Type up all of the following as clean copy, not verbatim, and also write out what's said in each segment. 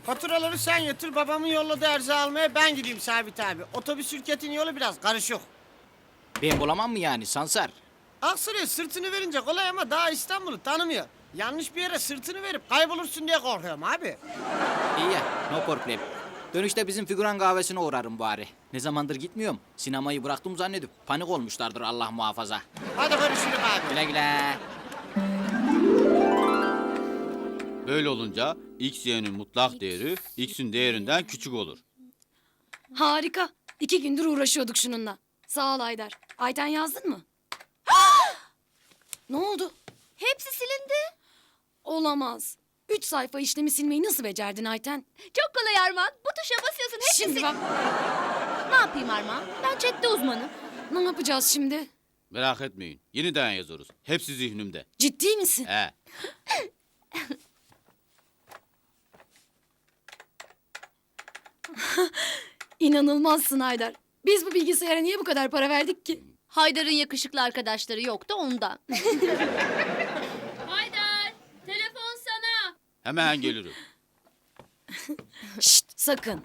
Faturaları sen yatır, babamın yolladığı erzağ almaya ben gideyim Sabit abi. Otobüs şirketin yolu biraz karışık. Ben bulamam mı yani Sansar? Aksaray'a sırtını verince kolay ama daha İstanbul'u tanımıyor. Yanlış bir yere sırtını verip kaybolursun diye korkuyorum abi. İyi ya, no problem. Dönüşte bizim figüran kahvesine uğrarım bari. Ne zamandır gitmiyorum. Sinemayı bıraktım zannedip panik olmuşlardır Allah muhafaza. Hadi görüşürüz abi. Güle güle. Böyle olunca x y'nin mutlak değeri x'in değerinden küçük olur. Harika. 2 gündür uğraşıyorduk şununla. Sağ ol Haydar. Ayten yazdın mı? Ne oldu? Hepsi silindi. Olamaz. 3 sayfa işlemi silmeyi nasıl becerdin Ayten? Çok kolay Armağan. Bu tuşa basıyorsun hepsi Şimdi bak. Ne yapayım Armağan? Ben chatte uzmanım. Ne yapacağız şimdi? Merak etmeyin. Yeniden yazarız. Hepsi zihnimde. Ciddi misin? He. İnanılmazsın Haydar. Biz bu bilgisayara niye bu kadar para verdik ki? Haydar'ın yakışıklı arkadaşları yoktu ondan. Haydar, telefon sana. Hemen gelirim. Şşt sakın.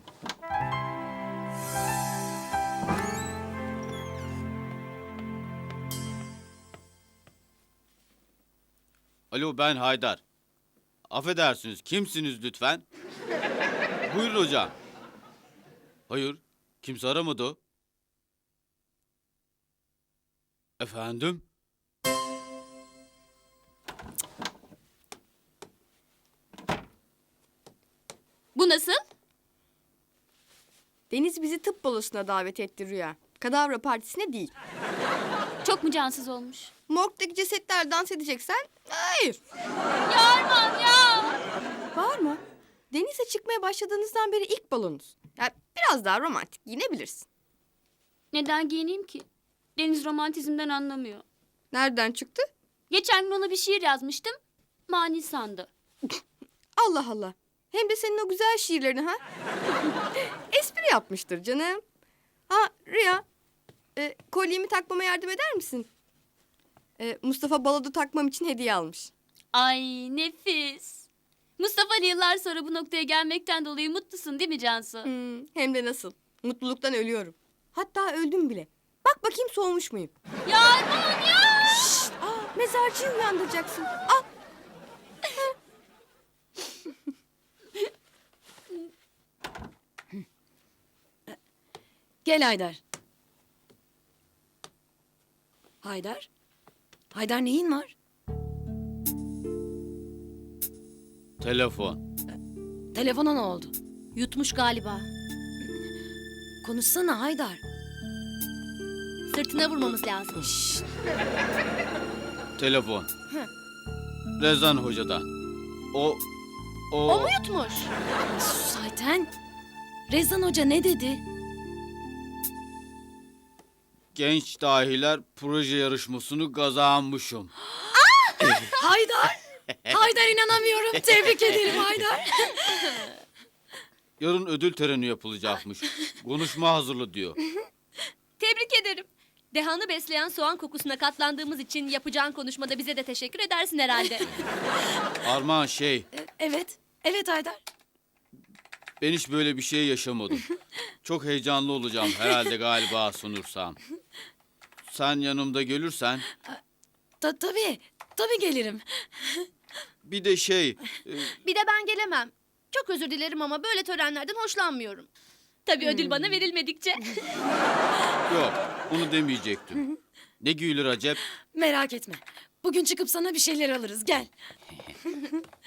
Alo, ben Haydar. Affedersiniz, kimsiniz lütfen? Buyurun hocam. Hayır, kimse aramadı. Efendim? Bu nasıl? Deniz bizi tıp balosuna davet etti Rüya. Kadavra partisine değil. Çok mu cansız olmuş? Morgdaki cesetler dans edeceksen hayır. Ya Armağan ya! Bağırma. Denize çıkmaya başladığınızdan beri ilk balonuz. Ya biraz daha romantik giyinebilirsin. Neden giyineyim ki? Deniz romantizmden anlamıyor. Nereden çıktı? Geçen gün ona bir şiir yazmıştım. Mani sandı. Allah Allah. Hem de senin o güzel şiirlerini ha. Espri yapmıştır canım. Ha Rüya. Kolyemi takmama yardım eder misin? Mustafa baloda takmam için hediye almış. Ay nefis. Mustafa Ali yıllar sonra bu noktaya gelmekten dolayı mutlusun değil mi Cansu? Hem de nasıl. Mutluluktan ölüyorum. Hatta öldüm bile. Bak bakayım soğumuş muyum? Ya Armağan ya! Mezarcıyı uyandıracaksın. Al. Gel Haydar. Haydar? Haydar neyin var? Telefon. Telefona ne oldu? Yutmuş galiba. Konuşsana Haydar. Sırtına vurmamız lazım. Şşt. Telefon. Rezan Hoca'dan. O O mu yutmuş? Sus Ayten. Rezan Hoca ne dedi? genç dahiler proje yarışmasını kazanmışım. Haydar! Haydar inanamıyorum. Tebrik ederim Haydar. Yarın ödül töreni yapılacakmış. Konuşma hazırlı diyor. Tebrik ederim. Dehanı besleyen soğan kokusuna katlandığımız için yapacağın konuşmada bize de teşekkür edersin herhalde. Armağan Evet. Evet Haydar. ben hiç böyle bir şey yaşamadım. Çok heyecanlı olacağım herhalde galiba sunursam. Sen yanımda gelirsen Tabii. Tabii gelirim. bir de Bir de ben gelemem. Çok özür dilerim ama böyle törenlerden hoşlanmıyorum. Tabii ödül bana verilmedikçe. yok onu demeyecektim. Ne gülür acep? Merak etme. Bugün çıkıp sana bir şeyler alırız. Gel.